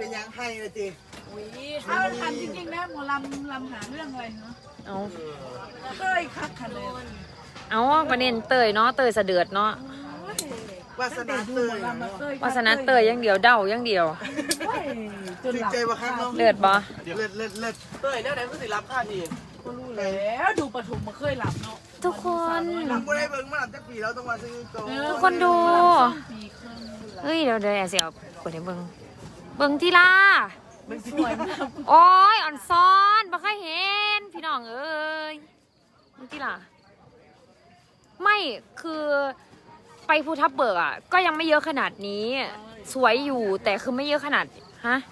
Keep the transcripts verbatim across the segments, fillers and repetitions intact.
ยังให้เลยจีถ้าทันจริงๆนะหมอลำลำหาเรื่องอะไรเนาะเอาเคยคักคันเลยเอาประเด็นเตยเนาะเตยเสดือดเนาะวาสนาเตยวาสนาเตยยังเดียวเดายังเดียวจนใจว่าครั้งเนาะเลือดบ่เลือดเลือดเลือดเตยเนี่ยไหนก็สิรับค่าทีก็รู้แล้วดูปฐมมาเคยหลับเนาะทุกคนหลังไม่ได้เบิ่งมาหลับจากปีแล้วต้องมาซื้อโตทุกคนดูเฮ้ยเดี๋ยวเดี๋ยวเสียเปิดให้เบิ่งเบิ่งที่ล่ะโอ้ยอ่อนซ้อนบ่เคยเห็นพี่น้องเอ้ยเบิ่งที่ล่ะไม่คือไปภูทับเบิกอ่ะก็ยังไม่เยอะขนาดนี้สวยอยู่แต่คือไม่เยอะขนาดฮะ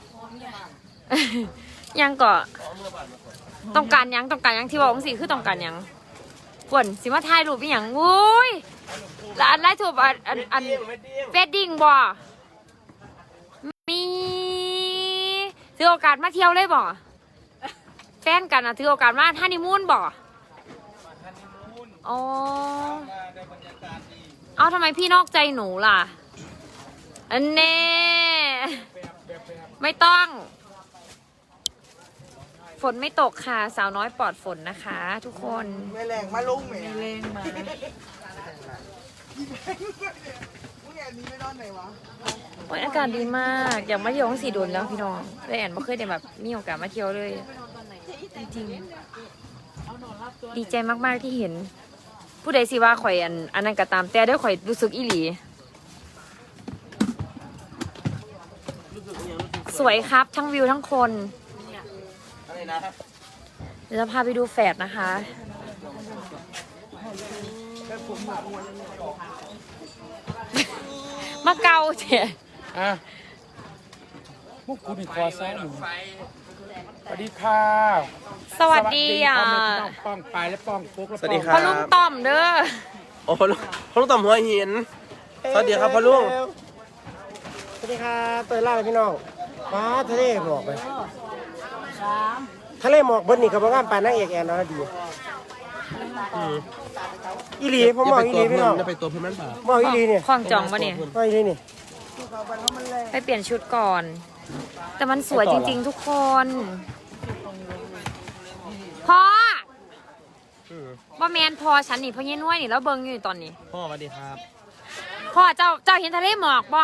ยังก็ต้องการยังต้องการยังที่บอกสิคือต้องการยังฝนสิมาถ่ายรูปเป็นอย่างอุ้ยแล้วอันไล่ถูกอันอันอันเฟดดิ้งบ่มีถือโอกาสมาเที่ยวเลยบ่แฟนกันอ่ะถือโอกาสมาฮันนีมูนบ่อ๋อเอาทำไมพี่นอกใจหนูล่ะอันเน่ไม่ต้องฝนไม่ตกค่ะสาวน้อยปลอดฝนนะคะทุกคนไม่แรงมาลุ่งแหมแรงมามึงแอนนี้ไม่นอนไหนวะโอ้ยอากาศดีมากอยากมาเที่ยวของสีดนแล้วพี่น้องแต่แอนไม่เคยได้แบบมีโอกาสมาเที่ยวเลยจริงๆดีใจมากๆที่เห็นผู้ใดสิว่าข่อยอันอันนั้นก็ตามแต่ได้ข่อยรู้สึกอีหลีสวยครับทั้งวิวทั้งคนเดี๋ยวจะพาไปดูแฝดนะคะมาเกาเถอะอ่ะพวกคุณมีคอซ้ายอยู่สวัสดีค่ะสวัสดีอ่ะป้องปลายและป้องปุ๊กสวัสดีครับพ่อลุงต้อมเด้อโอ้พ่อลุงพ่อลุงต่อมหัวหินสวัสดีครับพ่อลุงสวัสดีครับเตยล่าพี่น้องฟ้าทะเลหมอกไปทะเลหมอกบนนี่กับบ้านปลายนางเอกแอนนรดีอีหลีผมมองอีหลีพี่น้องจะไปตัวพี่มันป่ะมองอีหลีเนี่ยคล้องจองปะเนี่ยมองอีหลีเนี่ยไปเปลี่ยนชุดก่อนแต่มันสวยจริงๆทุกคนพ่อว่าแมนพอฉันนี่พ่อเงี้ยน้อยนี่แล้วเบิ้งอยู่ตอนนี้พ่อสวัสดีครับพ่อเจ้าเจ้าเห็นทะเลหมอกบ่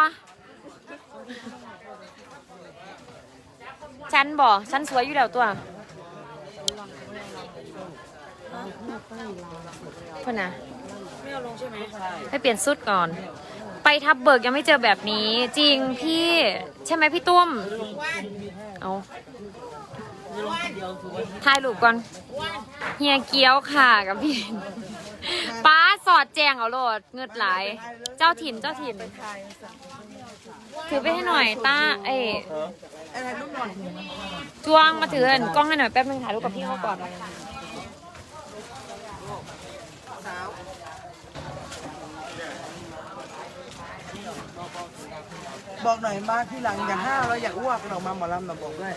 ฉันบ่ฉันสวยอยู่แล้วตัวพ่อนะไม่เอาลงใช่ไหมไปเปลี่ยนชุดก่อนไปทับเบิกยังไม่เจอแบบนี้จริงพี่ใช่ไหมพี่ตุ้มเอาถ่ายรูปก่อนเฮียเกี้ยวค่ะกับพี่ป้าสอดแจงเอาโลดเงืดไหลเจ้าถิ่นเจ้าถิ่นถือไปให้หน่อยต้าเอ๋จวงมาถือกล้องให้หน่อยแป๊บนึงถ่ายรูปกับพี่เขาก่อนบอกหน่อยมาที่หลังอย่างห้าเราอยากอ้วกเรามาหมอลำเราบอกด้วย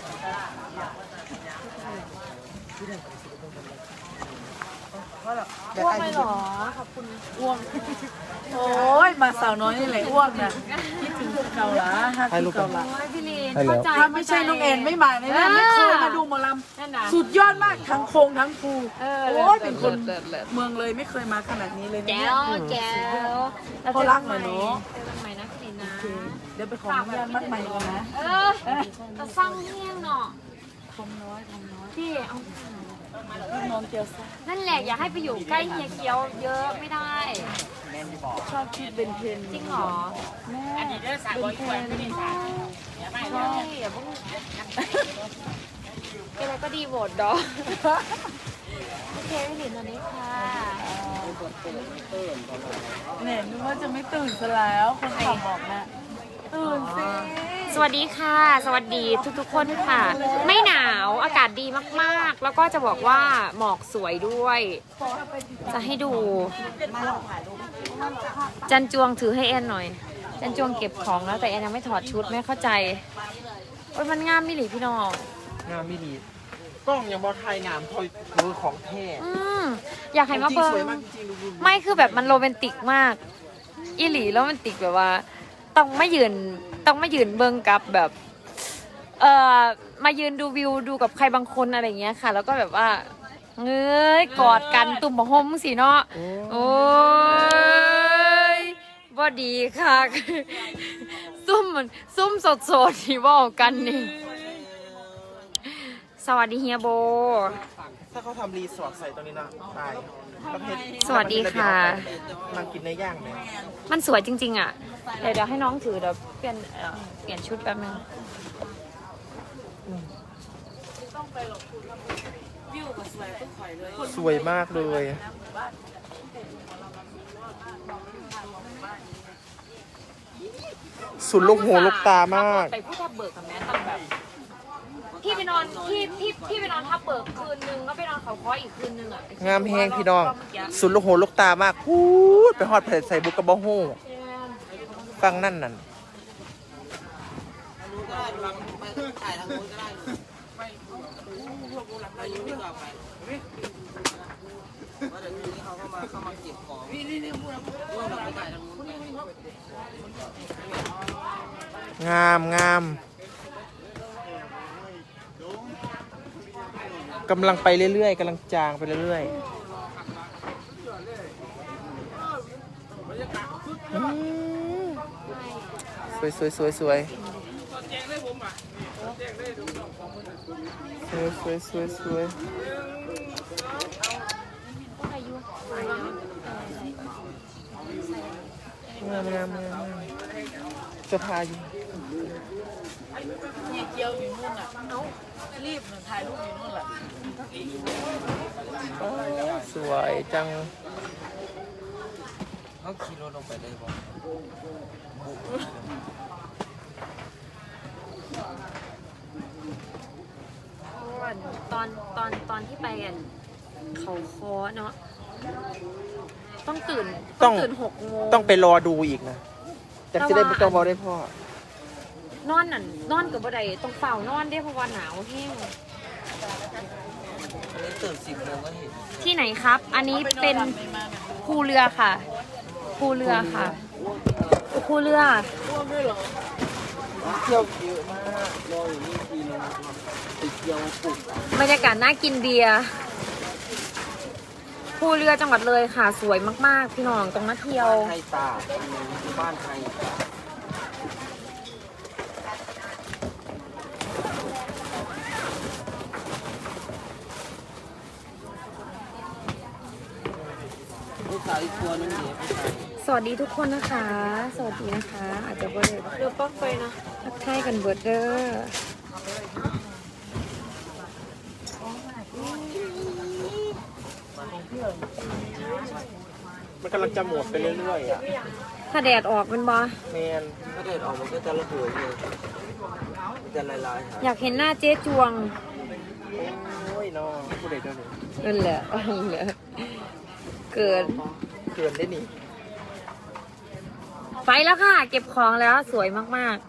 อ้วกไม่หรอขอบคุณอ้วกโอ้ยมาสาวน้อยนี่แหละอ้วกนะคิดถึงเก่าละฮักเก่าละพี่ลีนเข้าใจถ้าไม่ใช่น้องแอนไม่มาเนี่ยไม่เคยมาดูหมอลำสุดยอดมากทั้งโคงทั้งภูโอ้ยเป็นคนเมืองเลยไม่เคยมาขนาดนี้เลยแก้วแก้วเขารักหน่อยเนาะใหม่นะพี่ลีนนะเดี๋ยวไปของงานมัดใหม่กันนะเออจะสร้างเที่ยงเนาะคมน้อยคมน้อยพี่เอาน้องเกียวซ่านั่นแหละอยากให้ไปอยู่ใกล้เฮียเกียวเยอะไม่ได้ชอบคิดเบนเทนจริงเหรอแม่อันนี้เด้อสายบอยควยไม่ได้สายใช่อย่าเพิ่งอะไรก็ดีโหวตดอโอเคพี่หลินตอนนี้ค่ะเนี่ยนึกว่าจะไม่ตื่นซะแล้วคนขับบอกนะตื่นสิสวัสดีค่ะสวัสดีทุกๆคนค่ะไม่หนาวอากาศดีมากๆแล้วก็จะบอกว่าหมอกสวยด้วยจะให้ดูจันจวงถือให้แอนหน่อยจันจวงเก็บของแล้วแต่แอนยังไม่ถอดชุดไม่เข้าใจโอ้ยมันงามมิหลีพี่น้องงามมิหลีกล้องยังบอไทยงามทอยมือของแท้อืมอยากให้มาเบิ้งไม่คือแบบมันโรแมนติกมากอีหลีโรแมนติกแบบว่าต้องไม่ยืนต้องไม่ยืนเบิ้งกับแบบเอ่อมายืนดูวิวดูกับใครบางคนอะไรอย่างเงี้ยค่ะ แล้วก็แบบว่าเงยกอดกันตุ่มหอมสิเนาะโอ้ยบ่ดีค่ะ ซุ่มมันซุ่มสดสดที่บอกกันนี่สวัสดีเฮียโบถ้าเขาทำรีสอร์ทใส่ตรงนี้นะตายประเภทสวัสดีค่ะนั่งกินในย่างเนี่ยมันสวยจริงๆอ่ะเดี๋ยวเดี๋ยวให้น้องถือเดี๋ยวเปลี่ยนเอ่อเปลี่ยนชุดแป๊บนึงสวยมากเลย สุดลูกหูลูกตามากไปผู้ทับเบิกกับแม่ต้องแบบพี่ไปนอนพี่พี่พี่ไปนอนทับเบิกคืนนึงก็ไปนอนเขาค้ออีกคืนนึงอ่ะงามแห้งพี่น้อง สุดลูกหูลูกตามากพูดไปฮอดเผ็ดใส่บุกกระบอกหูฟังนั่นนั่นงามงามกำลังไปเรื่อยๆกำลังจางไปเรื่อยๆอืมสวยสวยสวยสวยสวยสวยสวยสวยงามงามงามจะพาอยู่เนี่ยเกียวอยู่นู่นอ่ะเอ้ารีบถ่ายรูปอยู่นู่นแหละสวยจังเขาขี่รถลงไปได้บ่ตอนตอนตอนที่ไปกันเขาค้อเนาะต้องตื่นต้องตื่นหกโมงต้องไปรอดูอีกนะจากจะได้ไม่ต้องบอกได้พ่อนอนนั่นนอนกับบ่ได้ต้องเฝ้านอนได้เพราะว่าหนาวแห้งอันนี้ตื่นสิบโมงก็เห็นที่ไหนครับ อันนี้เป็นภูเรือค่ะภูเรือค่ะภูเรือเที่ยวเยอะมากรออยู่นี่ทีนึงติดเที่ยวปลุกบรรยากาศน่ากินเบียร์ภูเรือจังหวัดเลยค่ะ สวยมากๆพี่น้องตรงมาเที่ยวไทยตาบ้านไทย ลูกสาวอีกตัวนึงเนี่ยสวัสดีทุกคนนะคะ สวัสดีนะคะ อาจจะบ่ได้เรือปลั๊กไฟนะทักทายกันเบิร์ดเดอร์มันกำลังจะหมดไปเรื่อยๆอ่ะถ้าแดดออกเป็นบอแมนถ้าเด็ดออกมันก็จะระเบิดเลยมันจะลายๆหายอยากเห็นหน้าเจ๊จวงโอ้ยน้องผู้ใดเจ้าหนูนั่นแหละนั่นแหละเกินเกินได้นี่ไปแล้วค่ะ เก็บของแล้วสวยมาก